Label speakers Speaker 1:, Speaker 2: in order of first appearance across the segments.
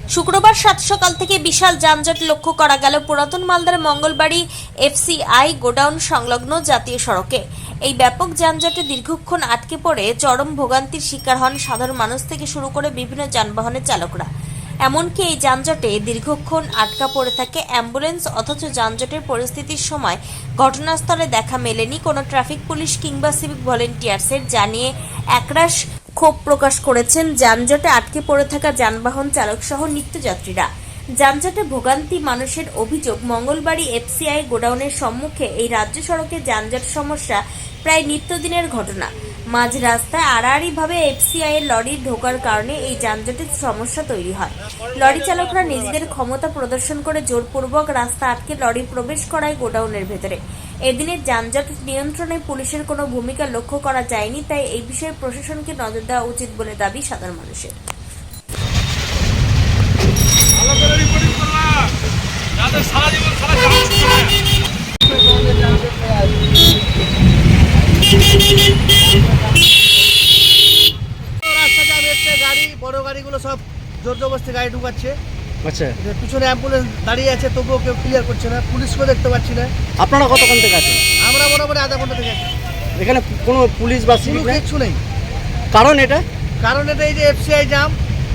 Speaker 1: শুক্রবার সাত সকাল থেকে বিশাল যানজট লক্ষ্য করা গেল পুরাতন মালদার মঙ্গলবাড়ি এফসিআই গোডাউন সংলগ্ন জাতীয় সড়কে। এই ব্যাপক যানজটে দীর্ঘক্ষণ আটকে পড়ে চরম ভোগান্তির শিকার হন সাধারণ মানুষ থেকে শুরু করে বিভিন্ন যানবাহনের চালকরা। এমনকি এই যানজটে দীর্ঘক্ষণ আটকা পড়ে থাকে অ্যাম্বুলেন্স, অথচ যানজটের পরিস্থিতির সময় ঘটনাস্থলে দেখা মেলেনি কোনো ট্রাফিক পুলিশ কিংবা সিভিক ভলেন্টিয়ার্সের, জানিয়ে একরাশ ক্ষোভ প্রকাশ করেছেন যানজটে আটকে পড়ে থাকা যানবাহন চালক সহ নিত্যযাত্রীরা। যানজটে ভোগান্তি মানুষের অভিযোগ, মঙ্গলবাড়ি এফসিআই গোডাউনের সম্মুখে এই রাজ্য সড়কে যানজট সমস্যা প্রায় নিত্যদিনের ঘটনা। মাঝ রাস্তায় আড়াআড়িভাবে এফসিআই এর লরি ঢোকার কারণে এই যানজটের সমস্যা তৈরি হয়। লরি চালকরা নিজেদের ক্ষমতা প্রদর্শন করে জোরপূর্বক রাস্তা আটকে লরি প্রবেশ করায় গোডাউনের ভেতরে। এদিনের যানজট নিয়ন্ত্রণে পুলিশের কোনো ভূমিকা লক্ষ্য করা যায়নি, তাই এই বিষয়ে প্রশাসনকে নজর দেওয়া উচিত বলে দাবি সাধারণ মানুষের।
Speaker 2: গাড়ি বড় গাড়িগুলো সব জোর জবরদস্তি গাড়ি ঢুকাচ্ছে।
Speaker 3: আচ্ছা,
Speaker 2: পিছনে অ্যাম্বুলেন্স দাঁড়িয়ে আছে, তবুও কেউ ক্লিয়ার করছে না। পুলিশকেও দেখতে পাচ্ছি না।
Speaker 3: আপনারা কতক্ষণ থেকে আছেন?
Speaker 2: আমরা মোটামুটি আধা ঘন্টা থেকে আছি।
Speaker 3: এখানে কোনো পুলিশ বা সিভিক নেই?
Speaker 2: কিচ্ছু নেই।
Speaker 3: কারণ এটা
Speaker 2: এই যে এফসিআই জাম।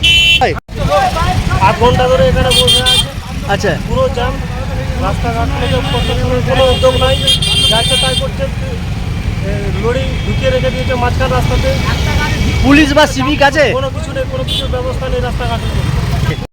Speaker 4: 8 ঘন্টা ধরে এখানে বসে আছে।
Speaker 3: আচ্ছা,
Speaker 4: পুরো জাম। রাস্তাঘাট থেকে প্রশাসনের কোনো উদ্যোগ নাই, যাচ্ছে তাই করছে। লরি ঢুকিয়ে রেখে দিয়েছে মাঝখান রাস্তাতে।
Speaker 3: পুলিশ বা সিভিক আছে?
Speaker 4: কোনো কিছু নেই, কোনো কিছুর ব্যবস্থা নেই রাস্তাঘাটের।